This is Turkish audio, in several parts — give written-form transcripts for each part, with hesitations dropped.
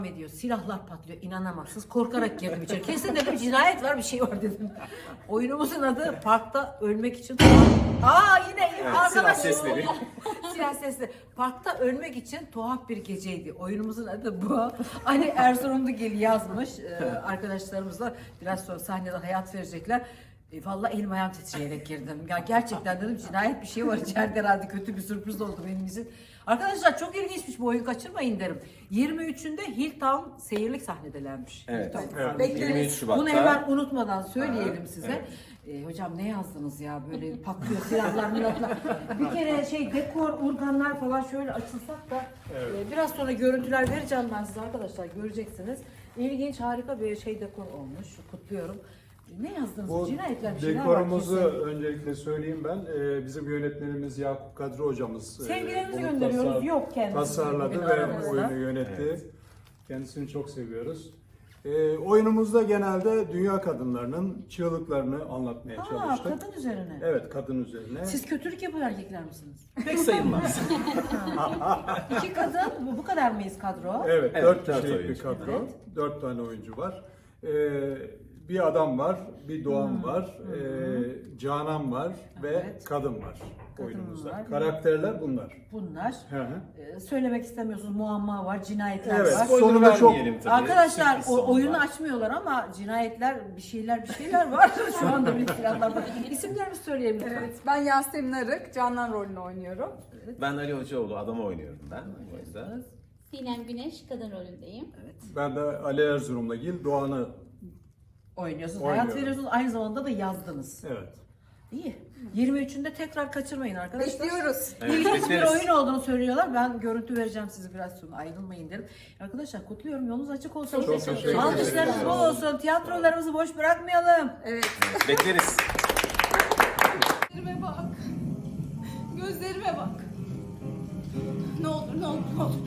ediyor. Silahlar patlıyor. İnanamazsınız. Korkarak girdim içeri. Kesin dedim cinayet var, bir şey var dedim. Oyunumuzun adı Parkta Ölmek için. Yine Evet, arkadaş. silah sesleri. Silah sesleri. Parkta Ölmek için tuhaf bir geceydi. Oyunumuzun adı bu. Hani Erzurumlugil yazmış. Arkadaşlarımızla biraz sonra sahnede hayat verecekler. Vallahi elim ayağım titreyerek girdim. Ya gerçekten dedim cinayet bir şey var içeride, herhalde kötü bir sürpriz oldu benim için. Arkadaşlar çok ilginçmiş bu oyun, kaçırmayın derim. 23'ünde Hilltown seyirlik sahnedelermiş. Evet. Hilltown Evet. sahnesi. 23 Şubat'ta. Bunu hemen unutmadan söyleyelim Evet, size. evet. Hocam ne yazdınız ya, böyle patlıyor silahlar milahlar. Bir kere dekor, organlar falan şöyle açılsak da biraz sonra görüntüler vereceğim ben size arkadaşlar, göreceksiniz. İlginç, harika bir dekor olmuş. Kutluyorum. Ne yazdınız? Bu Cinayetler, bir şeyler var dekorumuzu kesin. öncelikle söyleyeyim ben. Bizim yönetmenimiz Yakup Kadri hocamız. Sevgilerimizi bunu gönderiyoruz. Yok kendisi. tasarladı bugün ve aramızda. oyunu yönetti. Evet. Kendisini çok seviyoruz. Oyunumuzda genelde dünya kadınlarının çığlıklarını anlatmaya çalıştık. Kadın üzerine. Evet, kadın üzerine. Siz kötülük yapan erkekler misiniz? Pek sayılmaz. İki kadın, bu kadar mıyız kadro? Evet, Evet, 4 dört kişilik bir oyuncu. kadro. Evet. 4 tane oyuncu var. Bir adam var, bir Doğan var, Canan var ve Evet. kadın var Kadın oyunumuzda. var. Karakterler bunlar. Bunlar. Hı hı. Söylemek istemiyorsunuz, muamma var, cinayetler Evet. var. Spoiler Sonunda çok- vermeyelim tabii. Arkadaşlar Sürpriz sonu oyunu var. açmıyorlar ama cinayetler, bir şeyler var. Şu anda bir silahlar var. İsimlerimizi söyleyelim lütfen. Evet, ben Yasemin Arık, Canan rolünü oynuyorum. Ben Ali Hocaoğlu, adamı oynuyorum ben bu oyunda. Sinem Güneş kadın rolündeyim. Ben de Ali Erzurum'dagil Doğan'ı. Oynuyorsunuz, Oynuyorum. hayat veriyorsunuz, aynı zamanda da yazdınız. Evet. İyi. 23'ünde tekrar kaçırmayın arkadaşlar. Bekliyoruz. Evet, İlginç bir bekleriz. oyun olduğunu söylüyorlar. Ben görüntü vereceğim size biraz sonra, ayrılmayın derim. Arkadaşlar kutluyorum, yolunuz açık olsun. Çok teşekkür ederim. Alkışlarınız bol olsun. Tiyatrolarımızı boş bırakmayalım. Evet. Bekleriz. Gözlerime bak. Gözlerime bak. Ne olur, ne olur, ne olur.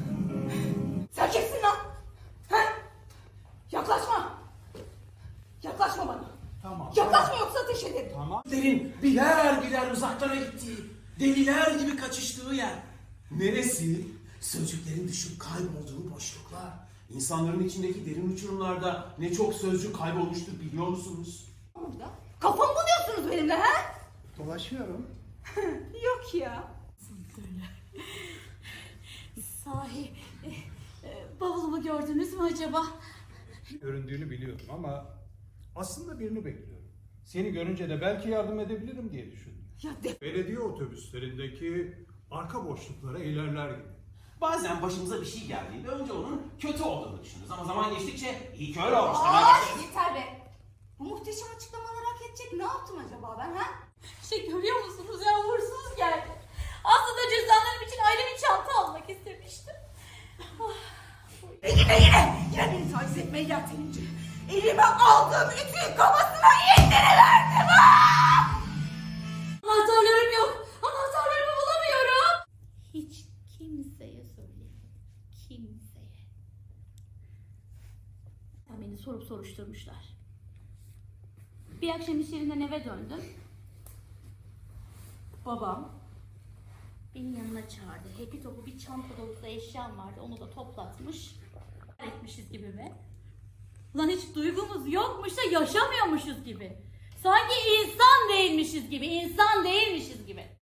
Sen kimsin lan? He? Yaklaşma. Yaklaşma bana. Tamam. Yaklaşma yoksa ateş ederim. Derin birer uzaklara gittiği, deliler gibi kaçıştığı yer. Neresi? Sözcüklerin düşüp kaybolduğu boşluklar. İnsanların içindeki derin uçurumlarda ne çok sözcük kaybolmuştur biliyor musunuz? Burada. Kafamı buluyorsunuz benimle he? Dolaşıyorum. Yok ya. Sahi bavulumu gördünüz mü acaba? Göründüğünü biliyorum ama aslında birini bekliyorum. Seni görünce de belki yardım edebilirim diye düşündüm. Belediye otobüslerindeki arka boşluklara ilerler gibi. Bazen başımıza bir şey geldiğinde önce onun kötü olduğunu düşünürüz ama zaman geçtikçe iyi ki öyle olmuş. Yeter be. Bu muhteşem açıklamaları hak edecek ne yaptım acaba ben ha? Görüyor musunuz ya, uğursuz geldi. Aslında cüzdanlarım için ayrı bir çanta almak istemiştim. Yine beni taciz etmeye yeltenince elime aldığım ütüyü kafasına indiriverdim ha! Anahtarlarım yok. Anahtarlarımı bulamıyorum. Hiç kimseye söylemedim. Kimseye. Beni sorup soruşturmuşlar. Bir akşam iş yerinden eve döndüm. Babam beni yanına çağırdı. Hepi topu bir çanta dolusu eşyam vardı. Onu da toplatmış. Etmişiz gibi mi? Ulan hiç duygumuz yokmuş da yaşamıyormuşuz gibi. Sanki insan değilmişiz gibi, insan değilmişiz gibi.